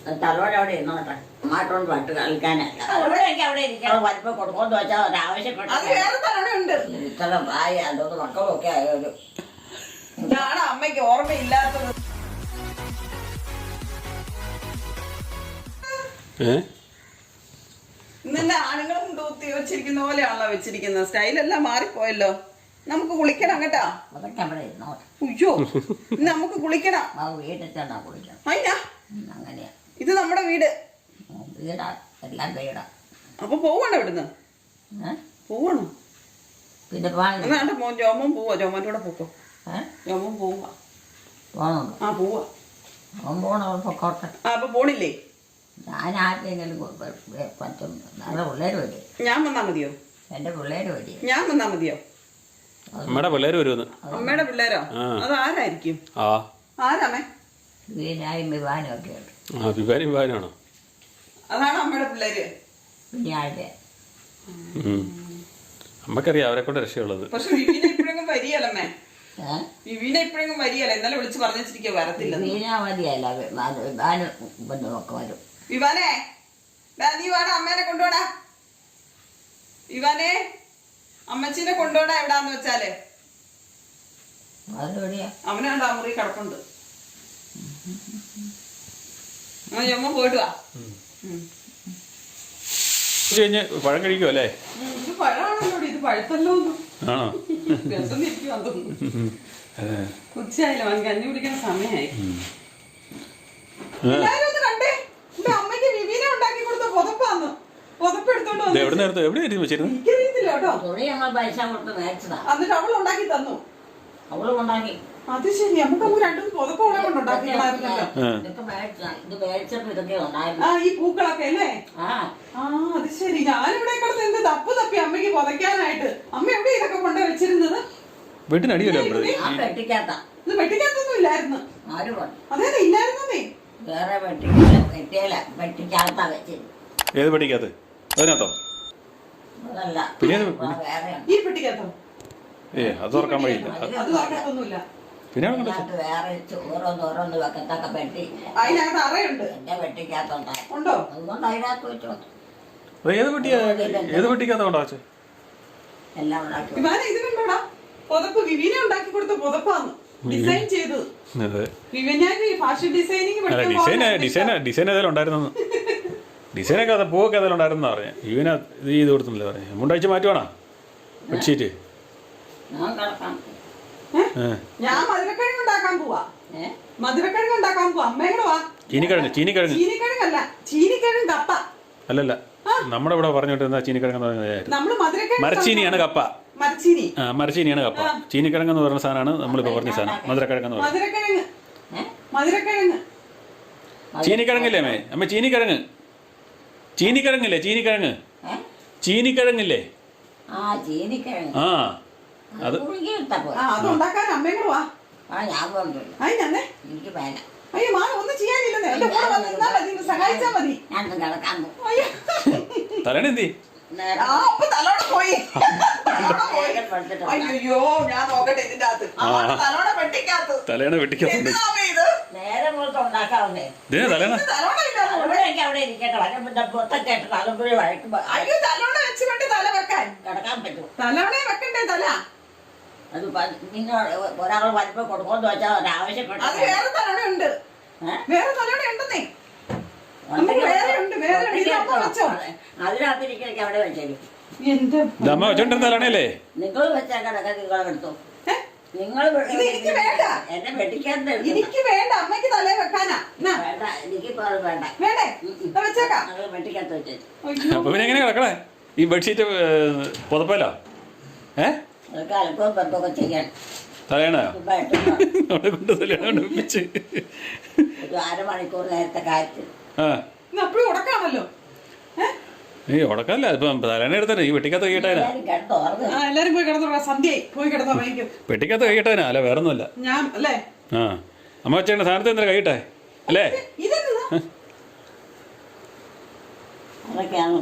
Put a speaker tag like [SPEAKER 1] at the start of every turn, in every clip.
[SPEAKER 1] തലോടെ അവിടെ ഇരുന്നോട്ടെ. മാറ്റോണ്ട് പട്ട് കളിക്കാനല്ല. അവിടെ ഇരിക്കണം വലിപ്പം കൊടുക്കുമെന്ന് വെച്ചാൽ ഒരാവശ്യപ്പെട്ടു. ഇത്ര പ്രായം അതൊന്ന് മക്കളൊക്കെ ആയൊരു
[SPEAKER 2] ഇതാണ് അമ്മയ്ക്ക് ഓർമ്മയില്ലാത്തത്. ഇന്നെ ആണുങ്ങളും തൂത്തി വെച്ചിരിക്കുന്ന പോലെയാണല്ലോ വെച്ചിരിക്കുന്നത്. സ്റ്റൈലെല്ലാം മാറിപ്പോയല്ലോ. നമുക്ക് കുളിക്കണം കേട്ടാ.
[SPEAKER 1] അതൊക്കെ അവിടെ ഇരുന്നോട്ടെ.
[SPEAKER 2] അയ്യോ നമുക്ക് കുളിക്കണം.
[SPEAKER 1] വീട്ടിൽ ചെന്നാ കുളിക്കണം.
[SPEAKER 2] അയ്യാ
[SPEAKER 1] അങ്ങനെയാ.
[SPEAKER 2] ഇത് നമ്മുടെ വീട്.
[SPEAKER 1] വീടാ, എല്ലാം വീടാ.
[SPEAKER 2] അപ്പൊ പോവണോ ഇവിടുന്ന്? പോവണോ?
[SPEAKER 1] പിന്നെ
[SPEAKER 2] മോൻ ജോമൻ പോവാ. ജോമൻ്റെ കൂടെ പോക്കോ. ജോമൻ പോവാ.
[SPEAKER 1] പോണോ?
[SPEAKER 2] ആ പോവാ.
[SPEAKER 1] പോണോ? പൊക്കോട്ടെ.
[SPEAKER 2] അപ്പൊ പോണില്ലേ?
[SPEAKER 1] ഞാൻ ആർക്കെങ്കിലും പറ്റും. നല്ല പിള്ളേര് വരും.
[SPEAKER 2] ഞാൻ വന്നാ മതിയോ?
[SPEAKER 1] എന്റെ പിള്ളേര് വരും.
[SPEAKER 2] ഞാൻ വന്നാ മതിയോ?
[SPEAKER 3] അമ്മയുടെ പിള്ളേര് വരുമെന്ന്.
[SPEAKER 2] അമ്മയുടെ പിള്ളേരോ? അത് ആരായിരിക്കും? ആരാമേ?
[SPEAKER 1] വിവാനും വിവാനും ഒക്കെ ഉണ്ട്.
[SPEAKER 3] വിവാനും വിവാനാണോ?
[SPEAKER 2] അതാണ് അമ്മയുടെ പിള്ളേര്.
[SPEAKER 1] പിന്നെ ആരുടെ?
[SPEAKER 3] അമ്മക്കറിയാം അവരെ കൊണ്ട് രക്ഷയുള്ളത്.
[SPEAKER 2] പക്ഷെ വിവീന ഇപ്പഴെങ്കിലും വരികയല്ലമ്മേ. വിവീന ഇപ്പഴെങ്കിലും വരികയല്ല. ഇന്നലെ വിളിച്ച് പറഞ്ഞിരിക്കുക വരത്തില്ല.
[SPEAKER 1] വിവീന മതിയല്ല, വിവാനും ഒക്കെ വരും.
[SPEAKER 2] വിവാനേ നീ വേണം അമ്മേനെ കൊണ്ടുപോടാ. വിവാനേ അമ്മച്ചീനെ കൊണ്ടുപോടാ. എവിടാന്ന് വെച്ചാല് അവനാണ്ട് ആ മുറി കിടപ്പുണ്ട്. അമ്മ പോയിട്ട് വാ.
[SPEAKER 3] പഴം കഴിക്കുമോ അല്ലേ?
[SPEAKER 2] ഇത് പഴമാണല്ലോ. ഇത് പഴുത്തല്ലോ.
[SPEAKER 3] ആണോ?
[SPEAKER 2] രസം ഇരിക്കുവാൻ തോന്നുന്നു. ഉച്ചയായില്ല, അവൻ കഞ്ഞി കുടിക്കുന്ന സമയമായി. എല്ലാരും ഒന്ന് കണ്ടേ. എന്റെ അമ്മയ്ക്ക് വിവീനെ ഉണ്ടാക്കി കൊടുത്ത പുതപ്പാന്ന്. പുതപ്പ് എടുത്തോണ്ട് എനിക്കറിയത്തില്ല കേട്ടോ. എന്നിട്ട് അവൾ ഉണ്ടാക്കി തന്നു.
[SPEAKER 1] അവള് ഉണ്ടാക്കി.
[SPEAKER 2] അത് ശരി. നമുക്ക് രണ്ടും പുതപ്പ് അവളെ കൊണ്ട് ഉണ്ടാക്കിയില്ലായിരുന്നല്ലോ. ആ ഈ പൂക്കളൊക്കെ അല്ലേ? ആ അത് ശരി. ഞാനിവിടെ കിടന്ന് എന്ത് തപ്പ് തപ്പി അമ്മയ്ക്ക് പുതയ്ക്കാനായിട്ട്. അമ്മ എവിടെ ഇതൊക്കെ കൊണ്ട് വെച്ചിരുന്നത്?
[SPEAKER 3] വീട്ടിനടിയല്ലോ.
[SPEAKER 2] ഇത് വെട്ടിക്കകത്തൊന്നും ഇല്ലായിരുന്നു. അതെ ഇല്ലായിരുന്നേ.
[SPEAKER 1] വേറെ വെട്ടിക്കകത്താ വെച്ചത്.
[SPEAKER 3] ഏത് പെട്ടിക്കകത്ത്? അതിനകത്തോ?
[SPEAKER 1] അതല്ല,
[SPEAKER 2] ഈ പെട്ടിക്കകത്തോ?
[SPEAKER 3] അത് തുറക്കാൻ വഴിയില്ല.
[SPEAKER 2] അത് തുറക്കത്തൊന്നുമില്ല.
[SPEAKER 3] പിന്നെ
[SPEAKER 1] വേറെ ഓരോന്ന് വെക്കത്തൊക്കെ പെട്ടി
[SPEAKER 2] അതിനകത്ത് അറയുണ്ട്.
[SPEAKER 1] എന്റെ വെട്ടിക്കകത്തുണ്ടായി.
[SPEAKER 2] ഉണ്ടോ?
[SPEAKER 1] അതുകൊണ്ട് അതിനകത്ത് വെച്ചോണ്ട്
[SPEAKER 3] ഏത് പെട്ടിക്കകത്താ കൊണ്ടാ
[SPEAKER 1] എല്ലാം ഉണ്ടാക്കി.
[SPEAKER 2] ഇത് കണ്ടോടാ, പുതപ്പ് വിവീനെ ഉണ്ടാക്കി കൊടുത്ത പുതപ്പാന്ന്. ഡിസൈൻ ചെയ്തത് ഫാഷൻ ഡിസൈനിങ്.
[SPEAKER 3] ഡിസൈൻ ഏതെങ്കിലും ഉണ്ടായിരുന്നു. ഡിസൈനൊക്കെ അത് പൂവൊക്കെ ഏതെങ്കിലും ഉണ്ടായിരുന്നാ പറഞ്ഞ. ഇവനെ ഇത് ചെയ്ത് കൊടുത്തില്ല പറയാ. മുണ്ടാഴ്ച മാറ്റുവാണോ ബെഡ്ഷീറ്റ്?
[SPEAKER 2] ഞാൻ മധുരക്കിഴങ്ങ് ഉണ്ടാക്കാൻ പോവാ. മധുരക്കിഴങ്ങ് ഉണ്ടാക്കാൻ പോവാ. അമ്മയുടെ വാ. ചീനിക്കിഴങ്ങല്ല, ചീനിക്കിഴങ്ങ് കപ്പ.
[SPEAKER 3] അല്ലല്ല, നമ്മുടെ ഇവിടെ പറഞ്ഞോണ്ടിരുന്ന ചീനിക്കിഴങ്ങ്
[SPEAKER 2] നമ്മള്
[SPEAKER 3] മരച്ചീനിയാണ് കപ്പ.
[SPEAKER 2] മരച്ചീനി
[SPEAKER 3] മരച്ചീനിയാണ് കപ്പ. ചീനിക്കിഴങ്ങ് എന്ന് പറയുന്ന സാധനമാണ് നമ്മളിപ്പോ പറഞ്ഞ സാധനം. മധുരക്കിഴങ്ങ്.
[SPEAKER 2] മധുരക്കിഴങ്ങ്
[SPEAKER 3] ചീനിക്കിഴങ്ങില്ലേ അമ്മേ? അമ്മ ചീനിക്കിഴങ്ങില്ലേ? ചീനിക്കിഴങ്ങില്ലേ? ആ അത്
[SPEAKER 2] അതുണ്ടാക്കാൻ അമ്മയും കൂടെ വാ.
[SPEAKER 1] എനിക്ക് വേണ്ട.
[SPEAKER 2] അയ്യോ മാ ഒന്നും ചെയ്യാനില്ലെന്നേ. എന്റെ കൂടെ വന്നിരുന്നാ മതി, സഹായിച്ചാ മതി.
[SPEAKER 3] തലേണെന്തി?
[SPEAKER 2] തലോടെ പോയി. അയ്യോ ഞാൻ നോക്കട്ടെ ഇതിന്റെ അകത്ത്. തലോടെ വെട്ടിക്കകത്ത്.
[SPEAKER 3] തലേണ വെട്ടിക്കകത്ത്.
[SPEAKER 1] നേരെ പുറത്ത് ഉണ്ടാക്കാവുന്നേ. അവിടെ ഇരിക്കട്ടെ.
[SPEAKER 2] അയ്യോ തലോണ വെച്ച് കൊണ്ട് തല വെക്കാൻ
[SPEAKER 1] കിടക്കാൻ പറ്റും.
[SPEAKER 2] തലോണെ വെക്കണ്ടേ തല?
[SPEAKER 1] അത് നിങ്ങൾ ഒരാൾ വലിപ്പം കൊടുക്കുമെന്ന് വെച്ചാൽ ഒരാവശ്യപ്പെട്ടു.
[SPEAKER 2] അത് വേറെ തലോണ ഉണ്ട്. വേറെ തലോണ ഉണ്ടെന്നേ.
[SPEAKER 1] അതിനകത്തിരിക്കണേ അവിടെ വെച്ചേരും.
[SPEAKER 3] വെച്ചോണ്ടിരുന്നാലേ
[SPEAKER 1] നിങ്ങൾ വെച്ചാൽ കിടക്കാൻ നിങ്ങളെടുത്തോ. നിങ്ങൾ എന്നെ വെട്ടിക്കാത്ത.
[SPEAKER 2] എനിക്ക് വേണ്ട, അമ്മയ്ക്ക് തലേ വെക്കാനാ.
[SPEAKER 1] വേണ്ട, എനിക്കിപ്പോ അത് വേണ്ട.
[SPEAKER 2] വേണ്ടേ? വെച്ചേക്കാം.
[SPEAKER 1] വെട്ടിക്കാത്ത വെച്ചേ.
[SPEAKER 3] അപ്പൊ പിന്നെ എങ്ങനെ കിടക്കണേ ഈ ബെഡ്ഷീറ്റ് പുതപ്പല്ലോ?
[SPEAKER 1] അതൊക്കെ അല്പം ബന്ധമൊക്കെ ചെയ്യാൻ
[SPEAKER 3] തലേണോ കൊണ്ട് തലേണ വെച്ച്
[SPEAKER 1] ഒരു അരമണിക്കൂർ നേരത്തെ കാര്യത്തിൽ
[SPEAKER 2] അപ്പോഴും ഉടക്കാണല്ലോ.
[SPEAKER 3] ഉടക്കല്ല, ഇപ്പം തലേണ എടുത്തേ. ഈ വെട്ടിക്കകത്ത് കഴിയട്ടേനാ.
[SPEAKER 2] എല്ലാരും പോയി കിടന്നു. സന്ധ്യയായി, പോയി കിടന്നോ.
[SPEAKER 3] വെട്ടിക്കകത്ത് കഴിയട്ടേനാ. അല്ല വേറൊന്നുമല്ല.
[SPEAKER 2] ഞാൻ അല്ലേ
[SPEAKER 3] അമ്മ വെച്ചേണ്ട സാധനത്തെ എന്താ കഴിയട്ടെ അല്ലേ?
[SPEAKER 1] അതൊക്കെയാണ്.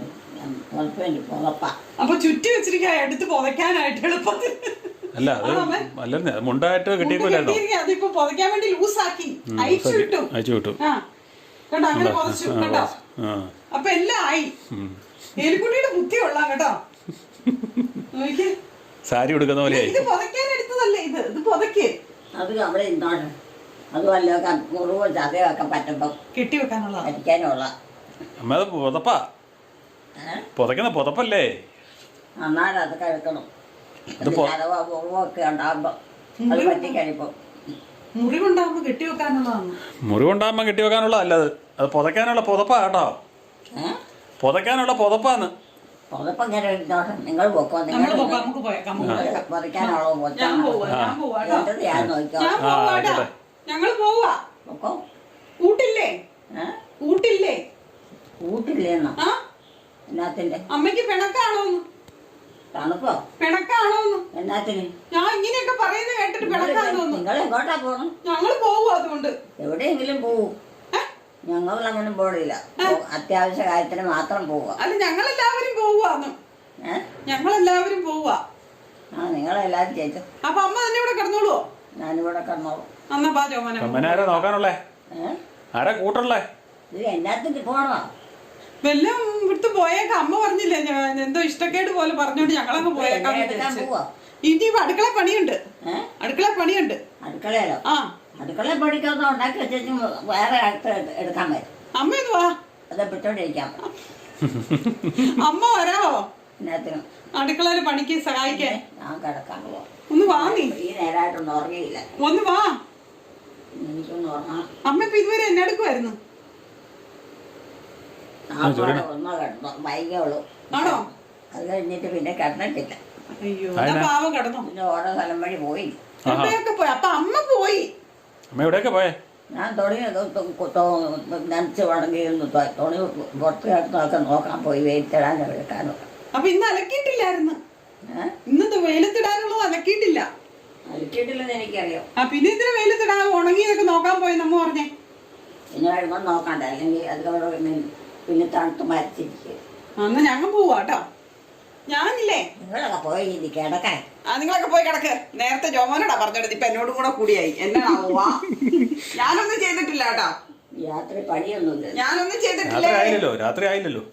[SPEAKER 2] അപ്പൊ ചുറ്റി വെച്ചിരിക്കാ എടുത്ത് പുതയ്ക്കാനായിട്ട് എളുപ്പത്തിൽ.
[SPEAKER 3] അല്ല അത് അല്ലെന്നേ, മുണ്ടായിട്ട് കിട്ടിയേക്കില്ലായിരുന്നോ?
[SPEAKER 2] അതിപ്പോ പുതയ്ക്കാൻ വേണ്ടി ലൂസാക്കി അയച്ചു വിട്ടു. കേട്ടോ അങ്ങനെ പൊതച്ചു കേട്ടോ. അപ്പൊ എല്ലാം ആയി. എലിക്കുട്ടിയുടെ ബുദ്ധി കൊള്ളാം കേട്ടോ. നോക്കിയേ,
[SPEAKER 3] സാരി കൊടുക്കുന്ന പോലെ
[SPEAKER 2] ഇത് പുതയ്ക്കാൻ എടുത്തതല്ലേ ഇത് പുതയ്ക്ക്.
[SPEAKER 1] അത് അവിടെ ഇരുന്നോട്ടെ. അത് വല്ലതൊക്കെ മുറിവോ ചതയൊക്കെ പറ്റുമ്പോ
[SPEAKER 2] കെട്ടി വെക്കാനുള്ള
[SPEAKER 1] അടിക്കാനുള്ള.
[SPEAKER 3] അമ്മ അത് പുതപ്പാ, പുതയ്ക്കുന്ന പുതപ്പല്ലേ.
[SPEAKER 1] നന്നായിട്ട് അത് കഴിക്കണം. ചതവോ മുറിവോ ഒക്കെ ഉണ്ടാകുമ്പോ അത് പറ്റിക്കഴിയുമ്പോ
[SPEAKER 2] മുറിവുണ്ടാകുമ്പോ കെട്ടി വെക്കാനുള്ളതാണ്.
[SPEAKER 3] മുറിവുണ്ടാകുമ്പോ കെട്ടി വെക്കാനുള്ളതല്ല അത് പുതയ്ക്കാനുള്ള പുതപ്പാ കേട്ടോ. പുതയ്ക്കാനുള്ള പുതപ്പാന്ന്.
[SPEAKER 1] പുതപ്പം ഇങ്ങനെ ഇരുന്നോട്ടെ. നിങ്ങൾ പൊക്കോ. നിങ്ങൾ പറിക്കാനുള്ളോ ഞാൻ നോക്കിയോ.
[SPEAKER 2] ഞങ്ങള് പോവാ.
[SPEAKER 1] പൊക്കോ.
[SPEAKER 2] കൂട്ടില്ലേ? കൂട്ടില്ലേ?
[SPEAKER 1] കൂട്ടില്ലേന്നോ? എന്നാത്തിന്റെ?
[SPEAKER 2] അമ്മയ്ക്ക് പിണക്കാണോന്ന്?
[SPEAKER 1] തണുപ്പോ?
[SPEAKER 2] പിണക്കാണോന്ന്?
[SPEAKER 1] എന്നാത്തിന്?
[SPEAKER 2] ഞാൻ ഇങ്ങനെയൊക്കെ പറയുന്നത് കേട്ടിട്ട് പിണക്കാന്ന് തോന്നുന്നു.
[SPEAKER 1] നിങ്ങൾ എങ്ങോട്ടാ പോണം?
[SPEAKER 2] ഞങ്ങള് പോവും. അതുകൊണ്ട്
[SPEAKER 1] എവിടെയെങ്കിലും പോവും. ഞങ്ങളങ്ങനെ പോടില്ല. അത്യാവശ്യ കാര്യത്തിന് മാത്രം പോവുക.
[SPEAKER 2] അല്ല, ഞങ്ങളെല്ലാവരും പോവാന്ന്. ഞങ്ങളെല്ലാവരും പോവാ.
[SPEAKER 1] നിങ്ങളെല്ലാരും ചേച്ചു.
[SPEAKER 2] അപ്പൊ അമ്മ തന്നെ ഇവിടെ കിടന്നോളൂ.
[SPEAKER 1] ഞാനിവിടെ കിടന്നോളൂ.
[SPEAKER 2] എന്നാ പാ ചോമന.
[SPEAKER 3] ആരാ നോക്കാനുള്ളേ? ആരാ കൂട്ടുള്ളേ?
[SPEAKER 1] ഇത് എന്നാത്തിന് പോണോ?
[SPEAKER 2] വെല്ലം ഇവിടുത്തെ പോയേക്കാം. അമ്മ പറഞ്ഞില്ലേ ഞാൻ എന്തോ ഇഷ്ടക്കേട് പോലെ പറഞ്ഞോണ്ട് ഞങ്ങളങ്ങ് പോയേക്കാം. ഇനി അടുക്കള പണിയുണ്ട്. അടുക്കള പണിയുണ്ട്.
[SPEAKER 1] അടുക്കളയിലോ? അടുക്കള പണിക്കൊന്നും ഉണ്ടാക്കി വെച്ചു വേറെ അടുത്ത് എടുക്കാൻ പറ്റും.
[SPEAKER 2] അമ്മ ഒന്ന് വാ.
[SPEAKER 1] അത് വിട്ടോണ്ടിരിക്കാം.
[SPEAKER 2] അമ്മ വരാവോ?
[SPEAKER 1] എന്നാത്തിനും
[SPEAKER 2] അടുക്കളയില് പണിക്ക് സഹായിക്കാൻ.
[SPEAKER 1] ഞാൻ കിടക്കാൻ പോവാം.
[SPEAKER 2] ഒന്ന് വാ. നീ
[SPEAKER 1] ഈ നേരമായിട്ടൊന്നും ഉറങ്ങിയില്ല.
[SPEAKER 2] ഒന്ന് വാ.
[SPEAKER 1] എനിക്കൊന്ന് ഉറങ്ങണം.
[SPEAKER 2] അമ്മ ഇപ്പൊ ഇതുവരെ എന്നെ എടുക്കുമായിരുന്നു.
[SPEAKER 1] ഒന്നോ കിടന്നോ വൈകിയുള്ളൂ.
[SPEAKER 2] ആണോ?
[SPEAKER 1] അത് കഴിഞ്ഞിട്ട് പിന്നെ കിടന്നിട്ടില്ല.
[SPEAKER 2] അയ്യോ, പാവം കിടന്നോ.
[SPEAKER 1] പിന്നെ ഓരോ സ്ഥലം വഴി പോയി.
[SPEAKER 2] എവിടെയൊക്കെ പോയി? അപ്പൊ അമ്മ പോയി.
[SPEAKER 3] അമ്മ എവിടെയൊക്കെ പോയേ?
[SPEAKER 1] ഞാൻ തുണി നനച്ച് വടങ്ങിയിരുന്നു. തുണി പുറത്ത് കിടന്നൊക്കെ നോക്കാൻ പോയി. വെയിലിടാനോ എടുക്കാനോ.
[SPEAKER 2] അപ്പൊ ഇന്ന് അലക്കിയിട്ടില്ലായിരുന്നു. ഇന്നത്തെ വെയിലത്തിടാനുള്ളത് അലക്കിയിട്ടില്ല.
[SPEAKER 1] അലക്കിയിട്ടില്ലെന്ന് എനിക്കറിയാം.
[SPEAKER 2] പിന്നെ ഇതിന് വെയിലത്തിടാൻ ഉണങ്ങിയതൊക്കെ നോക്കാൻ പോയി നമ്മ പറഞ്ഞേ.
[SPEAKER 1] പിന്നെ വരുമ്പോൾ നോക്കണ്ട. അല്ലെങ്കിൽ അതുകൊണ്ട് പിന്നെ തണുത്ത് മരിച്ചിരിക്കും.
[SPEAKER 2] എന്നാ ഞങ്ങൾ പോവാ കേട്ടോ. ഞാനില്ലേ
[SPEAKER 1] നിങ്ങളൊക്കെ പോയി കിടക്കാൻ.
[SPEAKER 2] നിങ്ങളൊക്കെ പോയി കിടക്ക്. നേരത്തെ ജോമോനോടാ പറഞ്ഞോടത്. ഇപ്പൊ എന്നോടും കൂടെ കൂടിയായി. എന്നാ ഞാനൊന്നും ചെയ്തിട്ടില്ല കേട്ടോ.
[SPEAKER 1] രാത്രി പണിയൊന്നുമില്ല.
[SPEAKER 2] ഞാനൊന്നും ചെയ്തിട്ടില്ല.
[SPEAKER 3] രാത്രി ആയില്ലല്ലോ.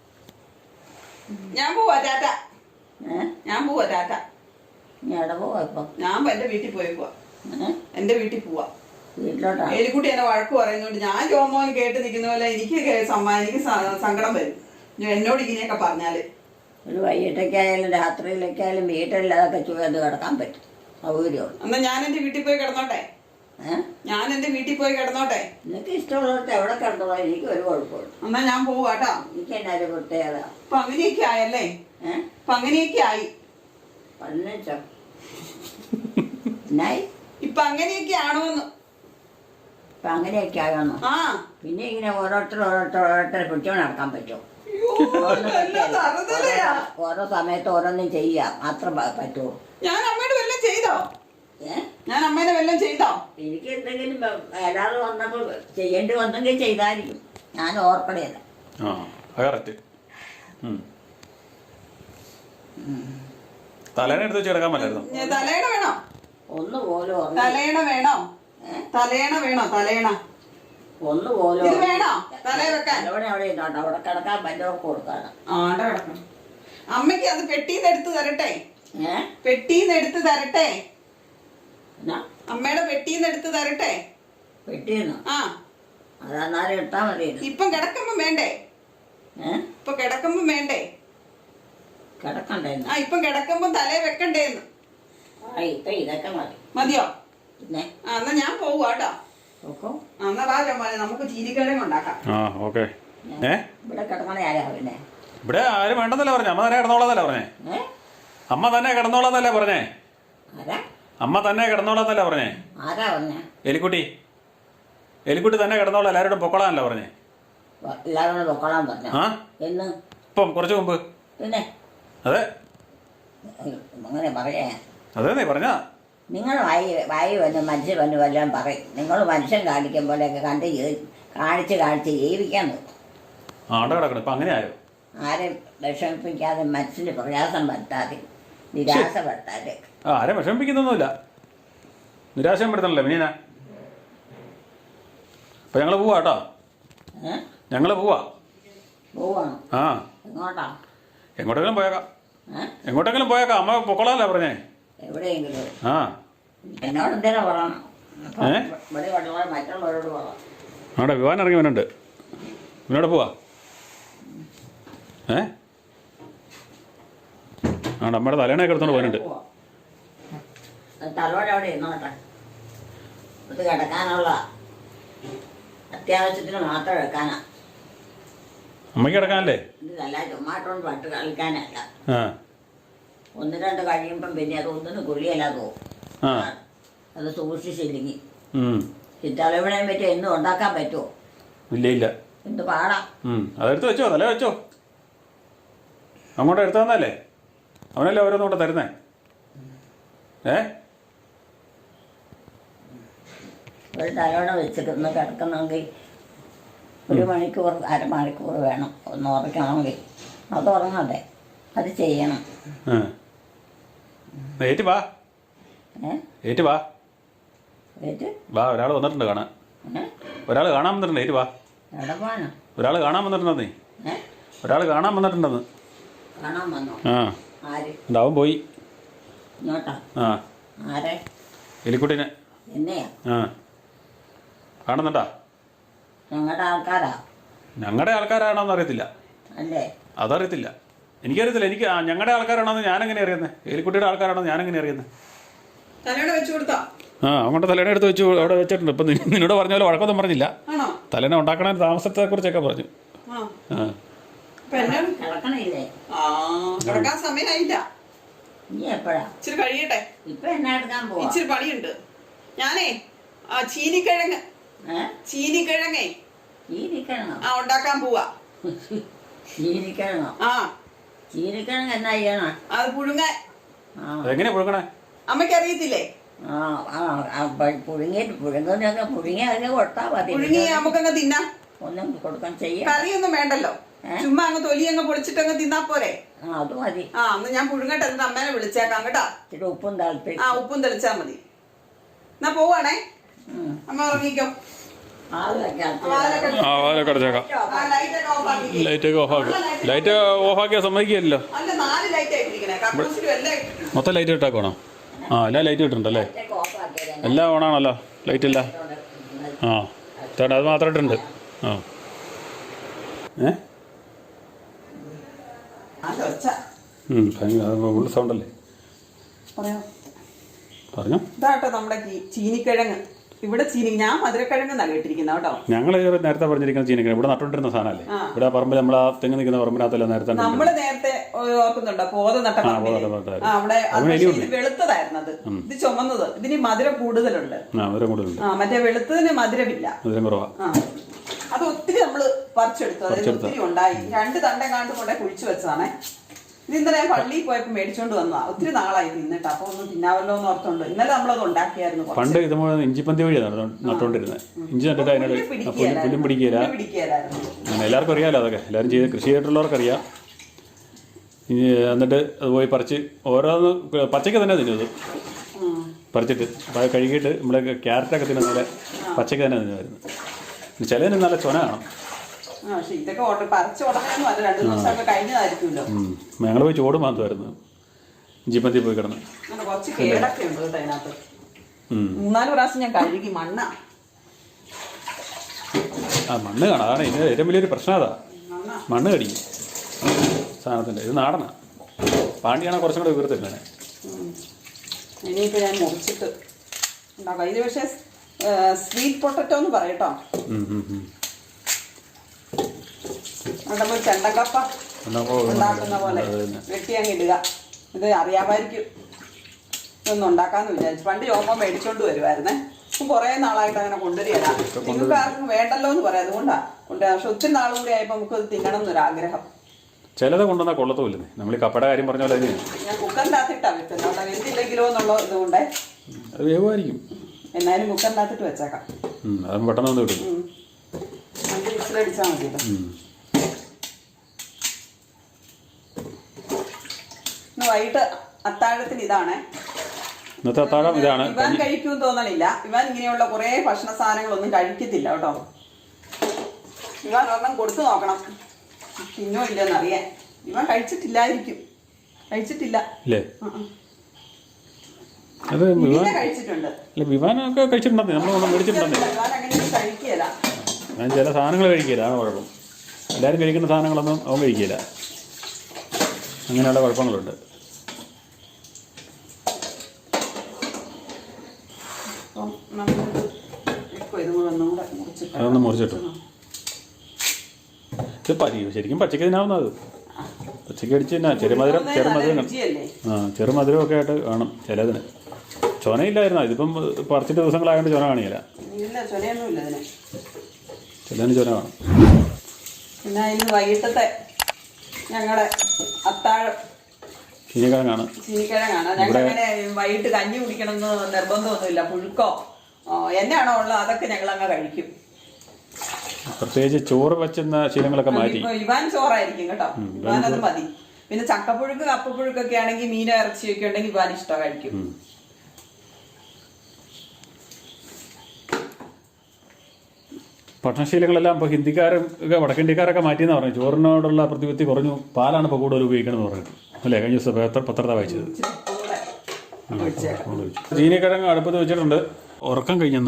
[SPEAKER 2] ഞാൻ പോവാ ടാറ്റ. ഞാൻ പോവാ ടാറ്റ.
[SPEAKER 1] എവിടെ പോവാ ഇപ്പൊ?
[SPEAKER 2] ഞാൻ എന്റെ വീട്ടിൽ പോയേക്കുവാ. എന്റെ വീട്ടിൽ പോവാ.
[SPEAKER 1] വീട്ടിലോട്ടാ?
[SPEAKER 2] എലിക്കുട്ടി എന്നെ വഴക്ക് പറയുന്നോണ്ട് ഞാൻ ജോമോൻ കേട്ട് നിൽക്കുന്ന പോലെ എനിക്ക് സങ്കടം വരും എന്നോട് ഇങ്ങനെയൊക്കെ പറഞ്ഞാല്.
[SPEAKER 1] ഒരു വൈകിട്ടൊക്കെയായാലും രാത്രിയിലൊക്കെയായാലും വീട്ടിലതൊക്കെ ചുവന്ന് കിടക്കാൻ പറ്റും. സൗകര്യമുള്ളൂ.
[SPEAKER 2] എന്നാ ഞാൻ എന്റെ വീട്ടിൽ പോയി കിടന്നോട്ടെ. ഞാൻ എന്റെ വീട്ടിൽ പോയി കിടന്നോട്ടെ.
[SPEAKER 1] നിനക്ക് ഇഷ്ടമുള്ളവർക്ക് എവിടെ കിടന്നോളാം. എനിക്ക് ഒരു കുഴപ്പമില്ല.
[SPEAKER 2] എന്നാ ഞാൻ പോവാട്ടോ.
[SPEAKER 1] എനിക്ക് എന്നാ ഒരു പ്രത്യേകത.
[SPEAKER 2] ഇപ്പൊ അങ്ങനെയൊക്കെ ആയല്ലേ? ഇപ്പൊ അങ്ങനെയൊക്കെ ആയി.
[SPEAKER 1] പതിനഞ്ചോ എന്നായി?
[SPEAKER 2] ഇപ്പൊ അങ്ങനെയൊക്കെ ആണോന്ന്.
[SPEAKER 1] ഇപ്പൊ അങ്ങനെയൊക്കെ ആയോന്നോ? പിന്നെ ഇങ്ങനെ ഓരോരുത്തരെ പിടിച്ചോണ്ട് നടക്കാൻ പറ്റുമോ? ഓരോ സമയത്ത് ഓരോന്നും ചെയ്യാം മാത്രം പറ്റുമോ?
[SPEAKER 2] ഞാൻ അമ്മയുടെ വല്ലതും ചെയ്തോ? ഞാൻ അമ്മേനെ വല്ലതും ചെയ്തോ?
[SPEAKER 1] എനിക്ക് എന്തെങ്കിലും ഏതാണ്ട് വന്നപ്പോൾ ചെയ്യേണ്ടി വന്നെങ്കിൽ ചെയ്തായിരിക്കും. ഞാൻ ഓർക്കണേല്ല.
[SPEAKER 3] തലേണ എടുത്ത് വെച്ച് കിടക്കാൻ പറ്റായിരുന്നു.
[SPEAKER 2] തലേണ വേണോ?
[SPEAKER 1] ഒന്നുപോലും
[SPEAKER 2] തലേണ വേണോ? തലേണ വേണോ? തലേണ
[SPEAKER 1] ഒന്നുപോലും
[SPEAKER 2] ഇത് വേണോ? തലേ വെക്കാൻ
[SPEAKER 1] അവിടെ ഇരുന്നോട്ടെ. അവിടെ കിടക്കാൻ പറ്റുന്നവർക്ക് കൊടുക്കാണ്.
[SPEAKER 2] അവിടെ കിടക്കണം. അമ്മയ്ക്ക് അത് പെട്ടീന്ന് എടുത്ത് തരട്ടെ? പെട്ടീന്ന് എടുത്ത് തരട്ടെ? അമ്മയുടെ പെട്ടീന്ന് എടുത്ത് തരട്ടെ?
[SPEAKER 1] പെട്ടീന്ന്? അതെന്നാലും ഇട്ടാ മതി.
[SPEAKER 2] ഇപ്പം കിടക്കുമ്പോ വേണ്ടേ? ഇപ്പൊ കിടക്കുമ്പോ വേണ്ടേ?
[SPEAKER 1] കിടക്കണ്ടേ?
[SPEAKER 2] ഇപ്പം കിടക്കുമ്പോ തലേ വെക്കണ്ടേന്ന്.
[SPEAKER 1] ഇപ്പൊ ഇതൊക്കെ മതി.
[SPEAKER 2] മതിയോ?
[SPEAKER 1] പിന്നെ
[SPEAKER 2] എന്നാ ഞാൻ പോവാട്ടോ. എന്നാ വാ ചോമനെ, നമുക്ക് ചീനിക്കടയും ഉണ്ടാക്കാം.
[SPEAKER 1] ഇവിടെ കിടക്കണ ആരാ? പിന്നെ
[SPEAKER 3] ഇവിടെ ആരും വേണ്ടെന്നല്ല പറഞ്ഞേ. അമ്മ തന്നെ കിടന്നോളാന്നല്ല പറഞ്ഞേ. അമ്മ തന്നെ കിടന്നോളാന്നല്ലേ പറഞ്ഞേ. അമ്മ തന്നെ കിടന്നോളാന്നല്ല പറഞ്ഞേ.
[SPEAKER 1] ആരാ പറഞ്ഞേ?
[SPEAKER 3] എലിക്കുട്ടി. എലിക്കുട്ടി തന്നെ കിടന്നോളാം. എല്ലാവരോടും പൊക്കോളാന്നല്ല പറഞ്ഞേ.
[SPEAKER 1] എല്ലാവരോടും പൊക്കോളാൻ പറഞ്ഞ എന്ന്?
[SPEAKER 3] ഇപ്പം കുറച്ചു മുമ്പ്.
[SPEAKER 1] പിന്നെ
[SPEAKER 3] അതെ
[SPEAKER 1] അങ്ങനെ പറയാ?
[SPEAKER 3] അതെ പറഞ്ഞ
[SPEAKER 1] നിങ്ങൾ വായി വന്ന് മനുഷ്യൻ വന്ന് വല്ലതും പറയും. നിങ്ങൾ മനുഷ്യൻ കാണിക്കും പോലെയൊക്കെ കാണിച്ച് ജീവിക്കാൻ നോക്കും.
[SPEAKER 3] കിടക്കണം. ഇപ്പം അങ്ങനെ ആയോ?
[SPEAKER 1] ആരെയും വിഷമിപ്പിക്കാതെ മനസ്സിന് പ്രയാസം വരുത്താതെ നിരാശപ്പെടുത്താതെ.
[SPEAKER 3] ആരെയും വിഷമിപ്പിക്കുന്നൊന്നുമില്ല. നിരാശയും പെടുത്തണല്ലേ പിന്നെ. അപ്പം ഞങ്ങൾ പോവാ കേട്ടോ. ഞങ്ങൾ പോവാ.
[SPEAKER 1] പോവാണോ?
[SPEAKER 3] ആ,
[SPEAKER 1] എങ്ങോട്ടാ?
[SPEAKER 3] എങ്ങോട്ടെങ്കിലും പോയേക്കാം. എങ്ങോട്ടെങ്കിലും പോയേക്കാം. അമ്മ പൊക്കോളാല്ലേ പറഞ്ഞേ.
[SPEAKER 1] എവിടെയെങ്കിലും.
[SPEAKER 3] ആ,
[SPEAKER 1] എന്നോട് എന്തിനാ പറയണം? ഇവിടെ പഠിക്കാൻ മറ്റുള്ളവരോട് പറയാം.
[SPEAKER 3] അവിടെ വിവാൻ ഇറങ്ങി വന്നുണ്ട്. ഇവനോട് പോവാ. ആണ്ട് അമ്മയുടെ തലേണയൊക്കെ എടുത്തോണ്ട് പോകാനുണ്ട്.
[SPEAKER 1] തലോടെ അവിടെ ഇരുന്നോട്ടെ. ഇത് കിടക്കാനുള്ള അത്യാവശ്യത്തിന് മാത്രം എടുക്കാനാ.
[SPEAKER 3] അമ്മയ്ക്ക് കിടക്കാനല്ലേ?
[SPEAKER 1] ഇതല്ല ചുമ്മാട്ടോണ്ട് പട്ട് കളിക്കാനല്ല.
[SPEAKER 3] ആ,
[SPEAKER 1] 1-2 കഴിയുമ്പം പിന്നെ അത് ഒന്നിനും കുഴിയല്ലാതെ പോകും.
[SPEAKER 3] ആ,
[SPEAKER 1] അത് സൂക്ഷിച്ചില്ലെങ്കിൽ ചിറ്റാളവിടെയും പറ്റും എന്നും ഉണ്ടാക്കാൻ പറ്റുമോ?
[SPEAKER 3] ഇല്ല ഇല്ല.
[SPEAKER 1] എന്ത് പാടാ.
[SPEAKER 3] അതെടുത്ത് വെച്ചോ, തല വെച്ചോ. അങ്ങോട്ട് എടുത്തു തന്നല്ലേ? അവനല്ലേ ഓരോന്നും കൂടെ തരുന്നേ.
[SPEAKER 1] ഒരു തലോടെ വെച്ചിരുന്ന് കിടക്കുന്നെങ്കിൽ 1 മണിക്കൂർ 1/2 മണിക്കൂർ വേണം ഒന്ന് ഉറക്കണമെങ്കിൽ. അത് ഉറങ്ങണ്ടേ? അത് ചെയ്യണം.
[SPEAKER 3] ഏറ്റ് വാ. ഏറ്റ് വാ.
[SPEAKER 1] ഏറ്റ്
[SPEAKER 3] വാ, ഒരാൾ വന്നിട്ടുണ്ട് കാണാൻ. ഒരാൾ കാണാൻ വന്നിട്ടുണ്ട്. ഏറ്റ് വാ.
[SPEAKER 1] എവിടെ പോകാനോ?
[SPEAKER 3] ഒരാൾ കാണാൻ വന്നിട്ടുണ്ടെന്നേ. ഒരാൾ കാണാൻ വന്നിട്ടുണ്ടെന്ന്.
[SPEAKER 1] കാണാൻ വന്നോ?
[SPEAKER 3] ആ,
[SPEAKER 1] ആര്?
[SPEAKER 3] അവൻ പോയി.
[SPEAKER 1] ഇങ്ങോട്ടാ?
[SPEAKER 3] ആ,
[SPEAKER 1] ആരെ?
[SPEAKER 3] എലിക്കുട്ടീനെ.
[SPEAKER 1] എന്നെയാ?
[SPEAKER 3] ആ, കാണുന്നുണ്ടാ?
[SPEAKER 1] ഞങ്ങളുടെ ആൾക്കാരാ?
[SPEAKER 3] ഞങ്ങളുടെ ആൾക്കാരാണോന്ന് അറിയത്തില്ല.
[SPEAKER 1] അല്ലേ?
[SPEAKER 3] അതറിയത്തില്ല. എനിക്കറിയത്തില്ല. എനിക്ക് ഞങ്ങളുടെ ആൾക്കാരാണോന്ന് ഞാനെങ്ങനെ അറിയുന്നത്? എലിക്കുട്ടിയുടെ ആൾക്കാരാണോ ഞാനെങ്ങനെ അറിയുന്നത്?
[SPEAKER 2] തലയുടെ വെച്ചു കൊടുത്താ?
[SPEAKER 3] ആ, അങ്ങോട്ട് തലേണ എടുത്ത് വെച്ചു അവിടെ വെച്ചിട്ടുണ്ട്. ഇപ്പം നിന്നോട് പറഞ്ഞ പോലെ വഴക്കൊന്നും പറഞ്ഞില്ല. തലേണ ഉണ്ടാക്കണ താമസത്തെ കുറിച്ചൊക്കെ പറഞ്ഞു.
[SPEAKER 1] കിടക്കണില്ലേ?
[SPEAKER 2] കിടക്കാൻ സമയമായില്ല.
[SPEAKER 1] ഇനി എപ്പോഴാ?
[SPEAKER 2] ഇച്ചിരി കഴിയട്ടെ.
[SPEAKER 1] ഇപ്പൊ എന്നാ എടുക്കാൻ പോവാ?
[SPEAKER 2] ഇച്ചിരി പണിയുണ്ട്. ഞാനേ ചീനിക്കിഴങ്ങ്
[SPEAKER 1] ചീനിക്കിഴങ്ങോ?
[SPEAKER 2] ഉണ്ടാക്കാൻ പോവാ.
[SPEAKER 1] ചീനിക്കിഴങ്ങോ? ചീനിക്കിഴങ്ങ് എന്നാ ചെയ്യണം?
[SPEAKER 2] അത് പുഴുങ്ങാൻ.
[SPEAKER 3] എങ്ങനെ പുഴുങ്ങണേ?
[SPEAKER 2] അമ്മയ്ക്ക് അറിയത്തില്ലേ?
[SPEAKER 1] പുഴുങ്ങി അതിനെ കൊടുത്താ മതി.
[SPEAKER 2] പുഴുങ്ങി നമുക്കങ്ങ് തിന്നാം.
[SPEAKER 1] ഒന്നും കൊടുക്കാൻ ചെയ്യാം.
[SPEAKER 2] കറിയൊന്നും വേണ്ടല്ലോ. ചുമ്മാ അങ്ങ് തൊലി അങ്ങ് പൊളിച്ചിട്ടങ്ങ് തിന്നാ പോരെ?
[SPEAKER 1] അത് മതി.
[SPEAKER 2] അന്ന് ഞാൻ പുഴുങ്ങട്ടെ. എന്നിട്ട് അമ്മേനെ വിളിച്ചേക്കാം കേട്ടാ.
[SPEAKER 1] ഉപ്പും താല്പര്യം.
[SPEAKER 2] ഉപ്പും തെളിച്ചാ മതി. എന്നാ പോവാണേ. അമ്മ ഉറങ്ങിക്കോ.
[SPEAKER 3] ലൈറ്റൊക്കെ ഓഫാക്കും. ലൈറ്റ് ഓഫാക്കിയാൽ സമ്മതിക്കില്ലല്ലോ. മൊത്തം ലൈറ്റ് ഇട്ടാക്കണോ? എല്ലാ ലൈറ്റ് ഇട്ടിട്ടുണ്ടല്ലേ? എല്ലാം ഓണാണല്ലോ. ലൈറ്റ് ഇല്ല. ചേട്ടാ അത് മാത്രം ഇട്ടുണ്ട്. ഫുൾ സൗണ്ടല്ലേ? പറഞ്ഞോ.
[SPEAKER 2] ഇതാട്ടോ നമ്മുടെ ചീനിക്കിഴങ്ങ്. ഇവിടെ ഞാൻ മധുരക്കിഴങ്ങ് കേട്ടിരിക്കുന്ന കേട്ടോ.
[SPEAKER 3] ഞങ്ങൾ നേരത്തെ പറഞ്ഞിരിക്കുന്ന ചീനിക്കിഴങ്ങ് ഇവിടെ നട്ടുകൊണ്ടിരുന്ന സാധനമല്ലേ? ഇവിടെ പറമ്പിൽ നമ്മൾ ആ തെങ്ങ് നിൽക്കുന്ന പറമ്പിനകത്തല്ല നേരത്തെ.
[SPEAKER 2] നമ്മള് നേരത്തെ ഓർക്കുന്നുണ്ടോ? പോത നട്ട അവിടെ വെളുത്തതായിരുന്നു. അത് ഇത് ചുമന്നത്. ഇതിന് മധുരം കൂടുതലുണ്ട്. മറ്റേ വെളുത്തതിന് മധുരമില്ല.
[SPEAKER 3] മധുരം കുറവാ.
[SPEAKER 2] അത് ഒത്തിരി നമ്മള് പറിച്ചെടുത്തു. അതായത് ഒത്തിരി ഉണ്ടായി. 2 തണ്ടം കാണ്ട് കൊണ്ടേ കുഴിച്ചു വെച്ചതാണേ. ഇത് ഇന്നലെ ഞാൻ പള്ളിയിൽ പോയപ്പോ മേടിച്ചോണ്ട് വന്നതാ. ഒത്തിരി നാളായി തിന്നിട്ട്. അപ്പൊ ഒന്ന് തിന്നാവല്ലോ എന്ന് ഓർത്തോണ്ട് ഇന്നലെ നമ്മളത് ഉണ്ടാക്കിയായിരുന്നു.
[SPEAKER 3] പണ്ട് ഇത് ഇഞ്ചിപ്പന്തി വഴിയാണ് നട്ടോണ്ടിരുന്നത്. ഇഞ്ചി നട്ടിട്ട് അതിനോട് പുല്ലും പിടിക്കില്ല. എല്ലാവർക്കും അറിയാലോ അതൊക്കെ. എല്ലാവരും ചെയ്ത് കൃഷി ചെയ്തിട്ടുള്ളവർക്ക് അറിയാം. എന്നിട്ട് അത് പോയി പറിച്ച് ഓരോന്ന് പച്ചയ്ക്ക് തന്നെ തിന്നത്. പറിച്ചിട്ട് കഴുകിയിട്ട് നമ്മളെ ക്യാരറ്റൊക്കെ തിന്നുന്നതിലെ പച്ചയ്ക്ക് തന്നെ തിന്നുമായിരുന്നു. ചിലതിന് നല്ല ചൊന കാണും. ഞങ്ങൾ പോയി ചോട് മാത്തുമായിരുന്നു. ഇഞ്ചിപ്പന്തി പോയി കിടന്ന്.
[SPEAKER 2] 3-4 പ്രാവശ്യം ഞാൻ കഴുകി. മണ്ണ്
[SPEAKER 3] കാണാം. അതാണ് ഇതിന് ഏറ്റവും വലിയൊരു പ്രശ്നം. അതാ മണ്ണ് കടിക്കും സാധനത്തിൻ്റെ. ഇത് നാടനാ. പാണ്ടിയാണെ കുറച്ചും കൂടെ ഉയർത്തില്ലേ.
[SPEAKER 2] ഇനിയിപ്പോൾ ഞാൻ മുറിച്ചിട്ട് ഉണ്ടാക്കാം. ഇത് പക്ഷേ സ്വീറ്റ് പൊട്ടറ്റോ എന്ന് പറയട്ടോ. നമ്മൾ ചെണ്ടക്കപ്പ ഉണ്ടാക്കുന്ന പോലെ വെട്ടി അങ്ങ് ഇടുക. ഇത് അറിയാമായിരിക്കും. ഇതൊന്നും ഉണ്ടാക്കാന്ന് വിചാരിച്ചു. പണ്ട് യോമ മേടിച്ചോണ്ട് വരുമായിരുന്നേ. ഇപ്പം കുറേ നാളായിട്ട് അങ്ങനെ കൊണ്ടുവരികയല്ല. നിങ്ങൾക്ക് ആർക്കും വേണ്ടല്ലോ എന്ന് പറയാം. അതുകൊണ്ടാണ് കൊണ്ടുവരാം. പക്ഷെ ഒത്തിരി നാളും കൂടി ആയപ്പോൾ നമുക്ക് ഇത് തിന്നണം എന്നൊരാഗ്രഹം.
[SPEAKER 3] ചിലത് കൊണ്ടുവന്നാൽ കൊള്ളത്തുമില്ലേ? നമ്മൾ ഈ കപ്പയുടെ കാര്യം പറഞ്ഞ പോലെ
[SPEAKER 2] ഞാൻ കുക്കറിനകത്തിട്ടാണ് വെക്കുന്നത്. അവിടെ വെന്തില്ലെങ്കിലോ എന്നുള്ള ഇതുകൊണ്ടേ
[SPEAKER 3] അത് വേവുമായിരിക്കും.
[SPEAKER 2] എന്നാലും കുക്കറിനകത്തിട്ട് വെച്ചേക്കാം.
[SPEAKER 3] അത് പെട്ടെന്ന് വന്ന് കിട്ടും.
[SPEAKER 2] 5 വിസിലടിച്ചാൽ മതിയല്ലോ. ഇന്ന് വൈകിട്ട് അത്താഴത്തിന് ഇതാണ്.
[SPEAKER 3] ഇന്നത്തെ അത്താഴം ഇതാണ്.
[SPEAKER 2] ഇവാൻ കഴിക്കുമെന്ന് തോന്നണില്ല. ഇവാൻ ഇങ്ങനെയുള്ള കുറേ ഭക്ഷണ സാധനങ്ങളൊന്നും കഴിക്കത്തില്ല കേട്ടോ. ഇവൻ ഒരെണ്ണം കൊടുത്തു നോക്കണം, തിന്നോ ഇല്ലെന്ന് അറിയാൻ. ഇവൻ കഴിച്ചിട്ടില്ലായിരിക്കും, കഴിച്ചിട്ടില്ല.
[SPEAKER 3] ഇല്ലേ? അത്
[SPEAKER 2] കഴിച്ചിട്ടുണ്ട്.
[SPEAKER 3] അല്ല, വിവാനൊക്കെ കഴിച്ചിട്ടുണ്ടെന്നേ, നമ്മളൊന്നും മേടിച്ചിട്ടുണ്ടെന്നേ.
[SPEAKER 2] വിവാൻ അങ്ങനെ കഴിക്കില്ല.
[SPEAKER 3] ഞാൻ ചില സാധനങ്ങൾ കഴിക്കില്ല, ആണ് കുഴപ്പം. എല്ലാവരും കഴിക്കുന്ന സാധനങ്ങളൊന്നും അവൻ കഴിക്കില്ല. അങ്ങനെയുള്ള കുഴപ്പങ്ങളുണ്ട്. അതൊന്ന് മുറിച്ചിട്ടു. ഇത് ശരിക്കും പച്ചക്ക് തിന്നാവുന്നത്. പച്ചക്ക് അടിച്ച് തന്നെ ചെറുമധുരം ചെറുമധുരമൊക്കെ ആയിട്ട് കാണും ചിലതിന്. ചൊനയില്ലായിരുന്നോ? ഇതിപ്പം പറിച്ചിട്ട് ദിവസങ്ങളായതുകൊണ്ട് ചൊന കാണില്ല. ചിലതിന് ചൊന കാണും.
[SPEAKER 2] പിന്നെ ഇന്ന് വൈകിട്ടത്തെ ഞങ്ങളുടെ അത്താഴം
[SPEAKER 3] ചീനിക്കിഴങ്ങാണ്.
[SPEAKER 2] ഞങ്ങൾ അങ്ങനെ വൈകിട്ട് കഞ്ഞി കുടിക്കണമെന്ന് നിർബന്ധമൊന്നുമില്ല. പുഴുക്കോ എന്നാണോ ഉള്ളത് അതൊക്കെ ഞങ്ങൾ അങ്ങ് കഴിക്കും.
[SPEAKER 3] പ്രത്യേകിച്ച് ചോറ് വെച്ചുന്ന ശീലങ്ങളൊക്കെ മാറ്റി.
[SPEAKER 2] ഇവാൻ ചോറായിരിക്കും കേട്ടോ, ഇവാനത് മതി. പിന്നെ ചക്കപ്പുഴുക്ക് കപ്പപ്പുഴുക്കൊക്കെ ആണെങ്കിൽ മീനോ ഇറച്ചിയൊക്കെ ഉണ്ടെങ്കിൽ ഇവാൻ ഇഷ്ടം കഴിക്കും.
[SPEAKER 3] ഭക്ഷണശീലങ്ങളെല്ലാം ഇപ്പോൾ ഹിന്ദിക്കാരും ഒക്കെ വടക്കിന്ത്യക്കാരൊക്കെ മാറ്റിയെന്ന് പറഞ്ഞു. ചോറിനോടുള്ള പ്രതിപത്തി കുറഞ്ഞു, പാലാണ് ഇപ്പോൾ കൂടുതൽ ഉപയോഗിക്കണമെന്ന് പറഞ്ഞു. അല്ലേ? കഴിഞ്ഞ ദിവസം പത്രത്തെ വായിച്ചത്. ചീനിക്കിഴങ്ങ് അടുപ്പത്ത് വെച്ചിട്ടുണ്ട്. ഉറക്കം കഴിഞ്ഞെന്ന്.